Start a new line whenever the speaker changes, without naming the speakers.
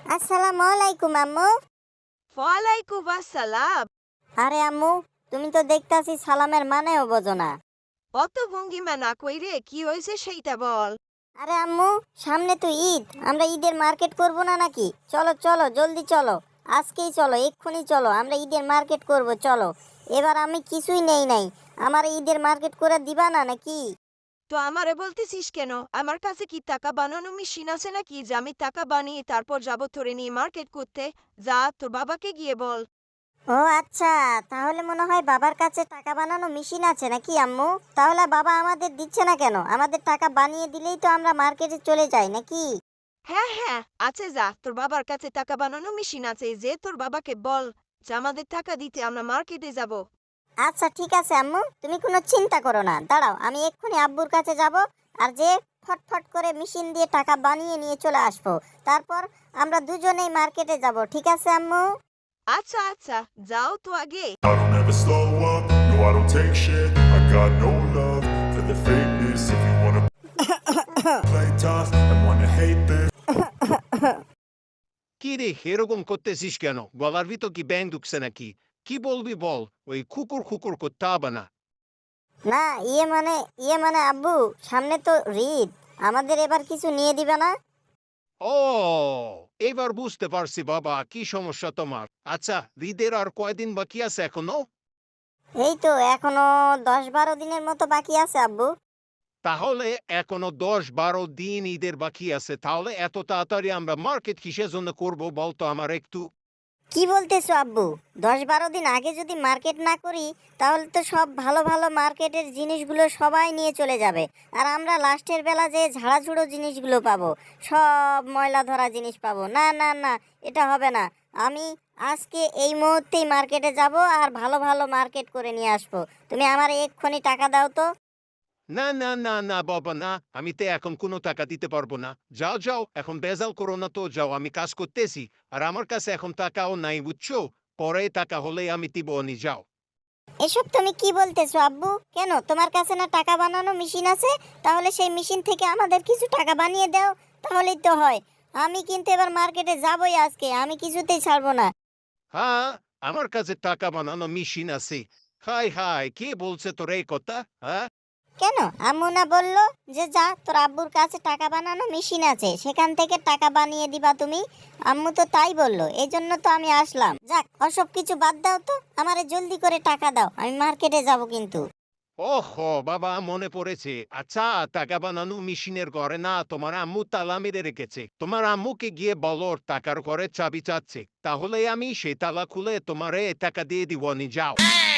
আসসালামু আলাইকুম আম্মু।
ওয়ালাইকুম আসসালাম।
আরে আম্মু, তুমি তো দেখতাছি সালামের মানেও বোঝো না।
অত ভঙ্গিমা না কইরে কি হয়েছে সেইটা বল।
আরে আম্মু, সামনে তো ঈদ, আমরা ঈদের মার্কেট করব না নাকি? চলো চলো জলদি চলো, আজকেই চলো, এক্ষুনি চলো, আমরা ঈদের মার্কেট করব, চলো। এবার আমি কিছুই নেই নাই, আমার ঈদের মার্কেট করে দিবা না নাকি?
তো আমারে বলতেছিস কেন? আমার কাছে কি টাকা বানানো মেশিন আছে নাকি যে আমি টাকা বানিয়ে তারপর যাবো তোরে নিয়ে মার্কেট করতে? যা তোর বাবাকে গিয়ে বল।
ও আচ্ছা, তাহলে মনে হয় বাবার কাছে টাকা বানানো মেশিন আছে নাকি আম্মু? তাহলে বাবা আমাদের দিচ্ছে না কেন? আমাদের টাকা বানিয়ে দিলেই তো আমরা মার্কেটে চলে যাই নাকি?
হ্যাঁ হ্যাঁ, আছে, যা তোর বাবার কাছে টাকা বানানো মেশিন আছে, যে তোর বাবাকে বল যে আমাদের টাকা দিতে আমরা মার্কেটে যাব।
আচ্ছা ঠিক আছে আম্মু, তুমি কোনো চিন্তা করো না, দাঁড়াও, আমি এক্ষুনি আব্বুর কাছে যাব, আর যে ফটফট করে মেশিন দিয়ে টাকা বানিয়ে নিয়ে চলে আসবো। তারপর আমরা দুজনেই মার্কেটে যাব, ঠিক আছে আম্মু?
আচ্ছা আচ্ছা, যাও তো আগে।
I don't ever slow up, no I don't take shit. I got no love for the fakeness. If you wanna play tough and wanna hate this,
কি রে এরকম করতেছিস কেন? গলার ভিতর কি ব্যাং ঢুকছে নাকি? কি বলবি বল? ওই খুকুর খুকুর করতে হবে না।
না, ইয়ে মানে আব্বু, সামনে তো ঈদ, আমাদের এবার কিছু নিয়ে দিবে না?
ও, এবার বুঝতে পারছি বাবা, কি সমস্যা তোমার। আচ্ছা, ঈদের আর কয়দিন বাকি আছে এখনো?
এই তো এখনো 10-12 দিনের মতো বাকি আছে আব্বু।
তাহলে এখনো 10-12 দিন ঈদের বাকি আছে। তাহলে এত তাড়াতাড়ি আমরা মার্কেট কিসের জন্য করবো বলতো আমার একটু?
কি বলতেছো আব্বু? 10-12 দিন আগে যদি মার্কেট না করি, তাহলে তো সব ভালো ভালো মার্কেটের জিনিসগুলো সবাই নিয়ে চলে যাবে, আর আমরা লাস্টের বেলা যে ঝাড়াঝুড়ো জিনিসগুলো পাবো, সব ময়লা ধরা জিনিস পাবো। না না না, এটা হবে না। আমি আজকে এই মুহূর্তেই মার্কেটে যাব আর ভালো ভালো মার্কেট করে নিয়ে আসবো। তুমি আমার এক্ষুনি টাকা দাও তো।
না না না না বাবা না, আমি তো এখন কোনো টাকা দিতে পারবো না। যাও যাও, এখন বেজাল করো না তো, যাও, আমি কাজ করতেছি। আর আমার কাছে এখন টাকাও নাই, বুঝছো? পরে টাকা হলে আমি দিব, নি যাও।
এসব তুমি কি বলতেছো আব্বু? কেন, তোমার কাছে না টাকা বানানো মেশিন আছে? তাহলে সেই মেশিন থেকে আমাদের কিছু টাকা বানিয়ে দাও, তাহলেই তো হয়। আমি কিন্তু এবার মার্কেটে যাবই আজকে, আমি কিছুতেই ছাড়বো না।
হ্যাঁ, আমার কাছে টাকা বানানো মেশিন আছে। হাই হাই, কে বলছে তোর এই কথা? হ্যাঁ,
কেন, আম্মু না বললো যে যা, তোর আব্বুর কাছে টাকা বানানো মেশিন আছে, সেখান থেকে টাকা বানিয়ে দিবা তুমি? আম্মু তো তাই বললো, এই জন্য তো আমি আসলাম। যাক, ওসব কিছু বাদ দাও তো, আমারে জলদি করে টাকা দাও, আমি মার্কেটে যাব কিন্তু।
ওহো বাবা, মনে পড়েছে। আচ্ছা, টাকা বানানো মেশিনের ঘরে না তোমার আম্মু তালা মেরে রেখেছে। তোমার আম্মুকে গিয়ে বলো ওর টাকার ঘরে চাবি চাচ্ছে, তাহলে আমি সেই তালা খুলে তোমারে টাকা দিয়ে দিব, নি যাও।